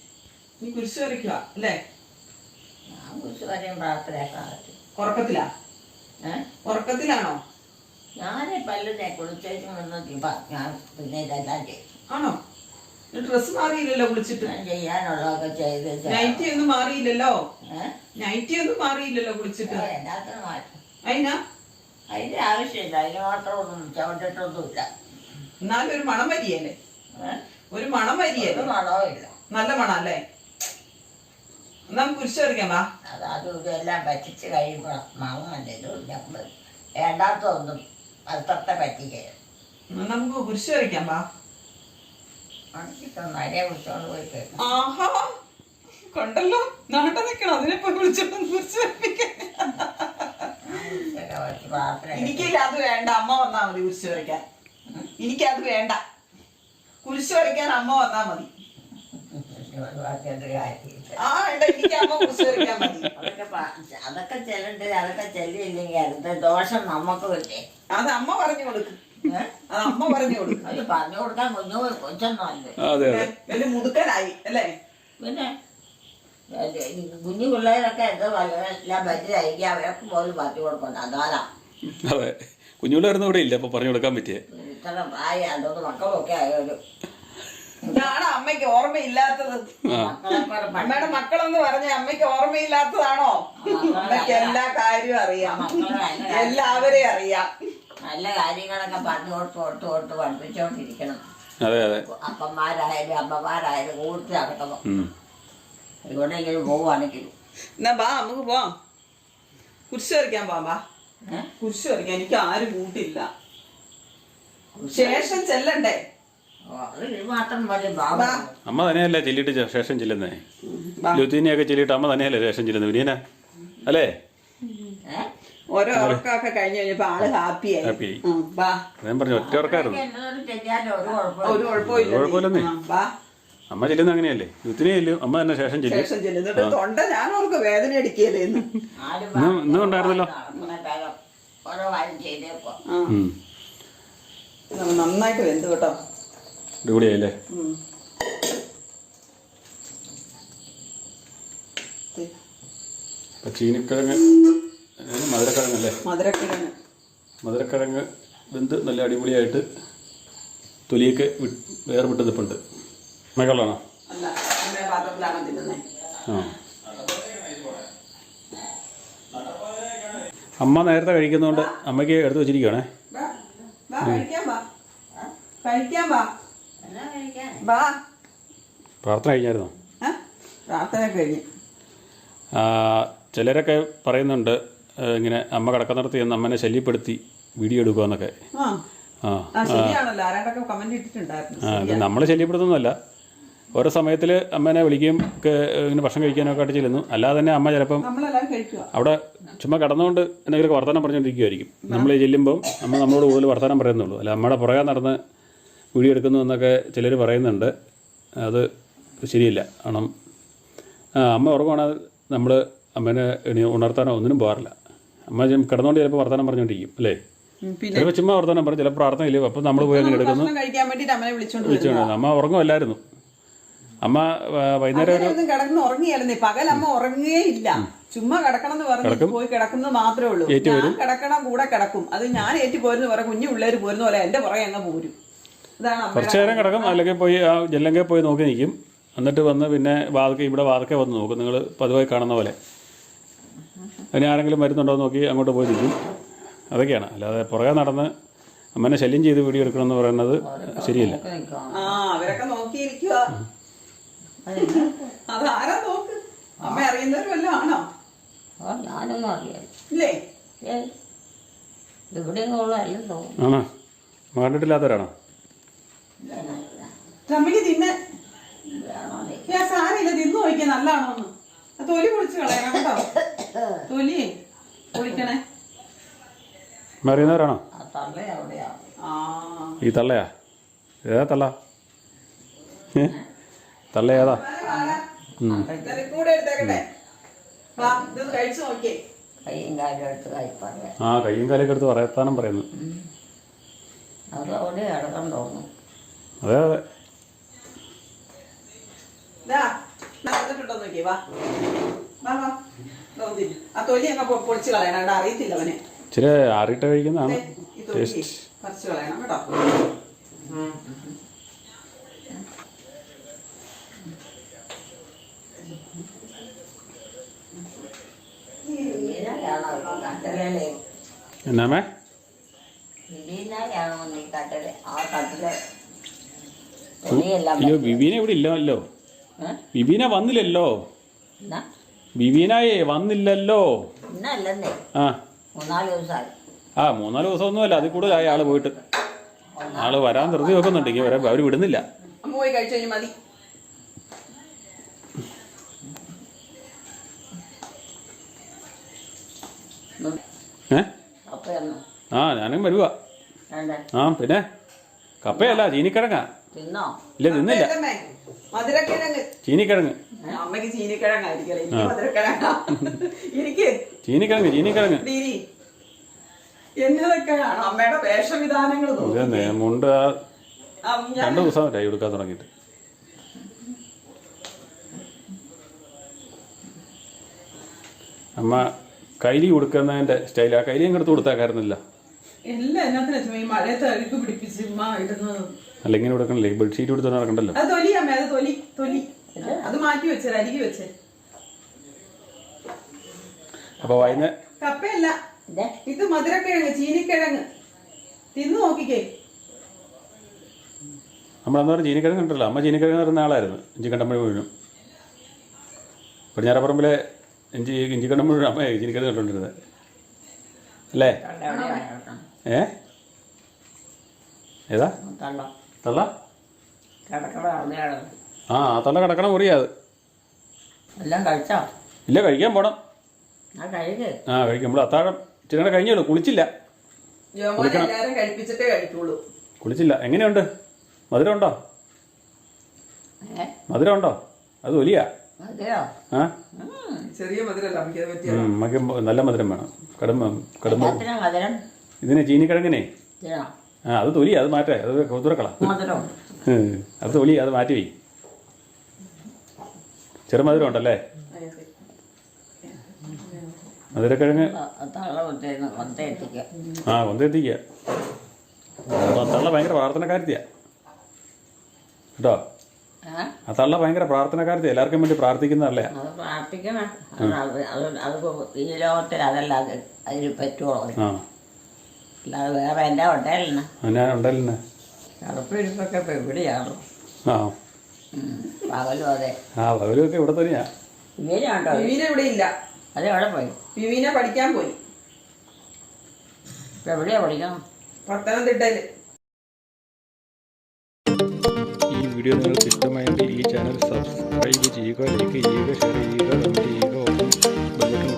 [SPEAKER 2] ഉറക്കത്തിലാണോ?
[SPEAKER 1] ഞാനേ പല്ലിനെ കുളിച്ചേച്ചും ഞാൻ പിന്നെ ഇതെല്ലാം ചെയ്യും.
[SPEAKER 2] ആണോ? ഡ്രസ് മാറിയില്ലല്ലോ കുളിച്ചിട്ട്?
[SPEAKER 1] ചെയ്യാനുള്ളതൊക്കെ ചെയ്ത്.
[SPEAKER 2] നൈറ്റി ഒന്നും മാറിയില്ലല്ലോ? നൈറ്റി ഒന്നും മാറിയില്ലല്ലോ കുളിച്ചിട്ട്?
[SPEAKER 1] എല്ലാത്തിനും മാറ്റും.
[SPEAKER 2] അതിന്റെ
[SPEAKER 1] ആവശ്യമില്ല, അതിന് മാത്രമൊന്നും ചവിട്ടിട്ടൊന്നുമില്ല.
[SPEAKER 2] എന്നാലും ഒരു മണം വരിയല്ലേ? ഒരു മണം വരിയല്ലേ?
[SPEAKER 1] മണവും ഇല്ല,
[SPEAKER 2] നല്ല മണം അല്ലേ? നമുക്ക് കുരിശ് വരയ്ക്കാം. വാ.
[SPEAKER 1] അതും ഇതെല്ലാം പറ്റിച്ച് കഴിയുമ്പോൾ മണമല്ലേ ഇത്. നമ്മൾ വേണ്ടാത്തൊന്നും അത്രത്തെ പറ്റിക്കരുത്.
[SPEAKER 2] നമുക്ക് കുരിശ് വരയ്ക്കാം. വാ.
[SPEAKER 1] നരയെ വിളിച്ചോണ്ട് പോയി കേൾക്കും.
[SPEAKER 2] ആഹാ, കണ്ടല്ലോ, നാട്ട നിക്കണം. അതിനെ പോയി വിളിച്ചോണ്ട് കുരിശ് വരയ്ക്കാൻ. എനിക്കില്ല, അത് വേണ്ട. അമ്മ വന്നാ മതി കുരിശ് വരയ്ക്കാൻ. എനിക്കത് വേണ്ട. കുരിശ് വരയ്ക്കാൻ അമ്മ വന്നാ മതി. എനിക്ക് അമ്മ കുരിശ് വരയ്ക്കാൻ മതി.
[SPEAKER 1] അതൊക്കെ ചെല്ലണ്ട്. അതൊക്കെ ചെല്ലിയില്ലെങ്കിൽ അടുത്ത ദോഷം നമുക്ക് കിട്ടേ.
[SPEAKER 2] അത് അമ്മ പറഞ്ഞു കൊടുക്കും. അത് അമ്മ പറഞ്ഞു കൊടുക്കും.
[SPEAKER 1] അത് പറഞ്ഞു കൊടുക്കാൻ കൊച്ചൊന്നുമല്ലേ,
[SPEAKER 2] വലിയ മുതുക്കനായി അല്ലേ?
[SPEAKER 1] പിന്നെ കുഞ്ഞു പിള്ളേരൊക്കെ എന്തോ എല്ലാം പറ്റിയായിരിക്കും. അവരൊക്കെ പോലും പറഞ്ഞു കൊടുക്കണ്ട. അതാരാ?
[SPEAKER 3] അതെ, കുഞ്ഞുപിള്ളേരൊന്നും ഇവിടെ ഇല്ല അപ്പൊ പറഞ്ഞു കൊടുക്കാൻ പറ്റിയേ.
[SPEAKER 1] ഇത്ര പ്രായ അതൊന്ന് മക്കളൊക്കെ ആയാലും
[SPEAKER 2] ഇതാണ് അമ്മയ്ക്ക് ഓർമ്മയില്ലാത്തത്. അമ്മയുടെ മക്കളെന്ന് പറഞ്ഞ അമ്മയ്ക്ക് ഓർമ്മയില്ലാത്തതാണോ? അമ്മയ്ക്ക് എല്ലാ കാര്യവും അറിയാം, എല്ലാവരെയും അറിയാം.
[SPEAKER 1] നല്ല കാര്യങ്ങളൊക്കെ പറഞ്ഞു കൊടുത്ത് പഠിപ്പിച്ചോണ്ടിരിക്കണം. അപ്പന്മാരായാലും അമ്മമാരായാലും കൂട്ടി നടക്കണം. എവിടെയെങ്കിലും പോവുകയാണെങ്കിലും.
[SPEAKER 2] എന്നാ ബാ, നമുക്ക് പോവാം. കുരിശ് വരയ്ക്കാൻ പോവാം. ബാ, കുരിശ് വരയ്ക്കാൻ. എനിക്ക് ആരും കൂട്ടില്ല. ശേഷം ചെല്ലണ്ടേ?
[SPEAKER 3] അമ്മ തന്നെയല്ലേ ചെല്ലിട്ട് ശേഷം ചെല്ലുന്നേ. ലുത്തീനെയൊക്കെ ചെല്ലിട്ട് അമ്മ തന്നെയല്ലേ ശേഷം ചെല്ലുന്നത്. വിനീന അല്ലേ?
[SPEAKER 2] ഓരോ ഉറക്കമൊക്കെ കഴിഞ്ഞ് കഴിഞ്ഞപ്പോ ആള് ഹാപ്പിയായി.
[SPEAKER 3] ഞാൻ പറഞ്ഞു ഒറ്റ ഉറക്കായിരുന്നു.
[SPEAKER 2] ഒരു കുഴപ്പമില്ലെന്നേ.
[SPEAKER 3] അമ്മ ചെല്ലുന്ന അങ്ങനെയല്ലേ? ലുത്തിനെ ചെല്ലും, അമ്മ തന്നെ ശേഷം ചെല്ലും.
[SPEAKER 2] തൊണ്ട ഞാൻ ഓർക്ക് വേദന അടിക്കല്ലേ
[SPEAKER 3] ഇന്നും ഉണ്ടായിരുന്നല്ലോ.
[SPEAKER 2] നന്നായിട്ട് വെന്ത് കേട്ടോ.
[SPEAKER 3] അടിപൊളിയായില്ലേ? ചീനിക്കിഴങ്ങ്, മധുരക്കിഴങ്ങല്ലേ? മധുരക്കിഴങ്ങ് വെന്ത് നല്ല അടിപൊളിയായിട്ട് തൊലിയൊക്കെ വേർവിട്ട് നിൽപ്പുണ്ട്. മകളാണോ? അമ്മ നേരത്തെ കഴിക്കുന്നതുകൊണ്ട് അമ്മയ്ക്ക് എടുത്തു വെച്ചിരിക്കുകയാണേ. പ്രാർത്ഥന കഴിഞ്ഞായിരുന്നോ?
[SPEAKER 2] പ്രാർത്ഥന കഴിഞ്ഞു.
[SPEAKER 3] ചിലരൊക്കെ പറയുന്നുണ്ട് ഇങ്ങനെ അമ്മ കിടക്കുന്നിടത്ത് ചെന്ന് അമ്മനെ ശല്യപ്പെടുത്തി വീഡിയോ എടുക്കുക എന്നൊക്കെ. അത് നമ്മൾ ശല്യപ്പെടുത്തുന്നതല്ല. ഓരോ സമയത്തിൽ അമ്മേനെ വിളിക്കുകയും ഇങ്ങനെ ഭക്ഷണം കഴിക്കാനൊക്കെ ആയിട്ട് ചെല്ലുന്നു. അല്ലാതെ തന്നെ അമ്മ ചിലപ്പം അവിടെ ചുമ്മാ കിടന്നുകൊണ്ട് എന്തെങ്കിലുമൊക്കെ വർത്തമാനം പറഞ്ഞുകൊണ്ടിരിക്കുമായിരിക്കും. നമ്മൾ ചെല്ലുമ്പം അമ്മ നമ്മളോട് കൂടുതൽ വർത്തമാനം പറയുന്നുള്ളൂ. അല്ല അമ്മയുടെ പുറകെ നടന്ന് വീഡിയോ എടുക്കുന്നു എന്നൊക്കെ ചിലർ പറയുന്നുണ്ട്. അത് ശരിയില്ല. കാരണം അമ്മ ഉറങ്ങുവാണെങ്കിൽ നമ്മൾ അമ്മേനെ ഉണർത്താനോ ഒന്നിനും പോകാറില്ല. അമ്മ കിടന്നുകൊണ്ട് ചിലപ്പോൾ വർത്തമാനം പറഞ്ഞുകൊണ്ടിരിക്കും അല്ലേ? ചിലപ്പോൾ ചുമ്മാ വർത്തമാനം പറഞ്ഞു, ചില പ്രാർത്ഥനയില്ലേ, അപ്പം നമ്മൾ പോയി അങ്ങനെ എടുക്കുന്നു. വിളിച്ചോണ്ട് അമ്മ ഉറങ്ങുമല്ലായിരുന്നു. അമ്മ വൈകുന്നേരം
[SPEAKER 2] കിടന്ന് ഉറങ്ങിയായിരുന്നു. പകൽ അമ്മ ഉറങ്ങുകയേ ഇല്ല, ചുമ്മാ കിടക്കണം എന്ന് പറഞ്ഞു പോയി കിടക്കുന്നത് മാത്രമേ ഉള്ളൂ. ഞാൻ കിടക്കണം കൂടെ കിടക്കും. അത് ഞാൻ ഏറ്റു പോരുന്ന പോലെ കുഞ്ഞു പിള്ളേർ പോരുന്ന പോലെ എൻ്റെ പുറകെ അങ്ങ് പോരും. ഇതാണ്
[SPEAKER 3] കുറച്ച് നേരം കിടക്കും, അല്ലെങ്കിൽ പോയി ആ ജനലങ്കയിൽ പോയി നോക്കി നിൽക്കും. എന്നിട്ട് വന്ന് പിന്നെ ഇവിടെ വാതിക്കെ വന്ന് നോക്കും, നിങ്ങൾ പതിവായി കാണുന്ന പോലെ. അതിന് ആരെങ്കിലും വരുന്നുണ്ടോ എന്ന് നോക്കി അങ്ങോട്ട് പോയി നിൽക്കും. അതൊക്കെയാണ്. അല്ലാതെ പുറകെ നടന്ന് അമ്മനെ ശല്യം ചെയ്ത് വീഡിയോ എടുക്കണമെന്ന് പറയുന്നത് ശരിയല്ല.
[SPEAKER 2] അവരൊക്കെ നോക്കിയിരിക്കുക. അതാരാ നോക്ക്? അമ്മ അറിയുന്നവരും വല്ലതും ആണോ?
[SPEAKER 1] ഞാനൊന്നും അറിയാം
[SPEAKER 2] ഇല്ലേ?
[SPEAKER 1] എവിടെയെങ്കിലും തോന്നുന്നു.
[SPEAKER 3] ആണോ? കണ്ടിട്ടില്ലാത്തവരാണോ?
[SPEAKER 2] ചമ്മക്ക് തിന്നെ സാരമില്ല, തിന്നു നോക്കിയാ നല്ലതാണോന്ന്. തൊലി പൊളിച്ച് കളയണം കേട്ടോ. തൊലി പൊളിക്കണേ.
[SPEAKER 3] അറിയുന്നവരാണോ? ഈ തള്ളയാ? ഏതാ തള്ള? തള്ള ഏതാ?
[SPEAKER 2] കൂടെ എടുത്തേക്കട്ടെ. കഴിച്ചു നോക്കിയേ.
[SPEAKER 1] കയ്യും കാലും എടുത്ത് കഴിപ്പാറ.
[SPEAKER 3] ആ കയ്യും കാലൊക്കെ എടുത്ത് പറയത്താനും പറയുന്നു.
[SPEAKER 1] അതവിടെ കിടക്കാൻ തോന്നുന്നു.
[SPEAKER 3] അതെ അതെ.
[SPEAKER 2] ആ തൊലി അങ്ങ് പൊളിച്ച് കളയണം. അറിയത്തില്ല അവനെ.
[SPEAKER 3] ഇച്ചിരി ആറിയിട്ട് കഴിക്കുന്നതാണ് ടേസ്റ്റ്.
[SPEAKER 2] പറിച്ച് കളയണം കേട്ടോ.
[SPEAKER 3] എന്നാമേ? അയ്യോ വിവീന ഇവിടെ ഇല്ലല്ലോ. വിവീന വന്നില്ലല്ലോ. വിവീനയെ വന്നില്ലല്ലോ. ആ 3-4 ദിവസമൊന്നുമല്ല, അതിൽ കൂടുതലായി ആള് പോയിട്ട്. ആള് വരാൻ ധൃതി വെക്കുന്നുണ്ടെങ്കിൽ അവർ വിടുന്നില്ല.
[SPEAKER 2] പോയി കഴിച്ചു കഴിഞ്ഞാൽ മതി.
[SPEAKER 3] ആ ഞാനും വരുവാ. ആ പിന്നെ കപ്പയല്ല, ചീനിക്കിഴങ്ങാ. ഇല്ല തിന്നില്ല. ചീനിക്കിഴങ്ങ്. ചീനിക്കിഴങ്ങ്.
[SPEAKER 2] അമ്മയുടെ വേഷവിധാനങ്ങൾ
[SPEAKER 3] മുണ്ട് 2 ദിവസം കൈ കൊടുക്കാൻ തുടങ്ങിയിട്ട്. അമ്മ കൈലി കൊടുക്കുന്നതിന്റെ സ്റ്റൈൽ. ആ കൈലിയും എടുത്ത് കൊടുത്താക്കായിരുന്നില്ല. അല്ല ഇങ്ങനെ കൊടുക്കണല്ലേ, ബെഡ്ഷീറ്റ് കൊടുത്ത് നടക്കണ്ടല്ലോ. അപ്പൊ വൈകുന്നേരം
[SPEAKER 2] കപ്പയല്ല ഇത്, മധുരക്കിഴങ്ങ്, ചീനിക്കിഴങ്ങ്. തിന്നു നോക്കിക്കേ.
[SPEAKER 3] നമ്മളെന്ന് പറഞ്ഞ ചീനിക്കിഴങ്ങ് ഉണ്ടല്ലോ, അമ്മ ചീനിക്കിഴങ്ങ് പറയുന്ന ആളായിരുന്നു. ഇഞ്ചിക്കണ്ടമ്പഴി മുഴുവൻ പടിഞ്ഞാറപ്പുറമ്പിലെ ഇഞ്ചിക്കണ്ടം മുഴുവൻ അമ്മ ചീനിക്കിഴങ്ങ് കണ്ടോണ്ടിരുന്നത് അല്ലേ? ഏതാ തള്ള? ആ തള്ള കിടക്കണ മുറിയാത്. ഇല്ല, കഴിക്കാൻ പോണം. ആ കഴിക്കും. നമ്മൾ അത്താഴം ചില കഴിഞ്ഞോളൂ. കുളിച്ചില്ല. കുളിച്ചില്ല. എങ്ങനെയുണ്ട്? മധുരം ഉണ്ടോ? മധുരം ഉണ്ടോ? അത് വലിയ
[SPEAKER 2] ചെറിയ മധുരം.
[SPEAKER 3] നമുക്ക് നല്ല മധുരം വേണം. കടുമ്പ ഇതിനെ ചീനിക്കിഴങ്ങിനെ അത് തൊലി, അത് മാറ്റേ, അത് തുറക്കള. അത് തൊലി, അത് മാറ്റി വയ്ക്കും. ചെറുമധുരം ഉണ്ടല്ലേ? മധുരക്കിഴങ്ങ് കൊന്തെത്തിക്കുക. തള്ള ഭയങ്കര പ്രാർത്ഥനക്കാരത്തിയാ കേട്ടോ. ആ തള്ള ഭയങ്കര പ്രാർത്ഥനക്കാരത്തിയാ. എല്ലാവർക്കും വേണ്ടി പ്രാർത്ഥിക്കുന്നതല്ലേ?
[SPEAKER 1] പ്രാർത്ഥിക്കണം. ഈ ലോകത്തിൽ അതല്ല അതിന് പറ്റുള്ളൂ. അല്ലാതെ വേറെ എൻ്റെ ഉണ്ടല്ലേ കറുപ്പിടിപ്പൊക്കെ ഇപ്പൊ എവിടെയാണോ? പകലും അതെ.
[SPEAKER 3] പകലും ഒക്കെ ഇവിടെ തന്നെയാ.
[SPEAKER 1] വിവീനുണ്ടോ?
[SPEAKER 2] വിവീന ഇവിടെ ഇല്ല.
[SPEAKER 1] അതെവിടെ പോയി?
[SPEAKER 2] വിവീന പഠിക്കാൻ പോയി.
[SPEAKER 1] ഇപ്പൊ എവിടെയാ പഠിക്കണം?
[SPEAKER 2] പത്തനംതിട്ടയില്.
[SPEAKER 3] ഈ വീഡിയോ നിങ്ങൾക്ക് ഇഷ്ടമായെങ്കിൽ ഈ ചാനൽ സബ്സ്ക്രൈബ് ചെയ്യുക, ലൈക്ക് ചെയ്യുക, ഷെയർ ചെയ്യുക, കമൻറ്റ് ചെയ്യുക,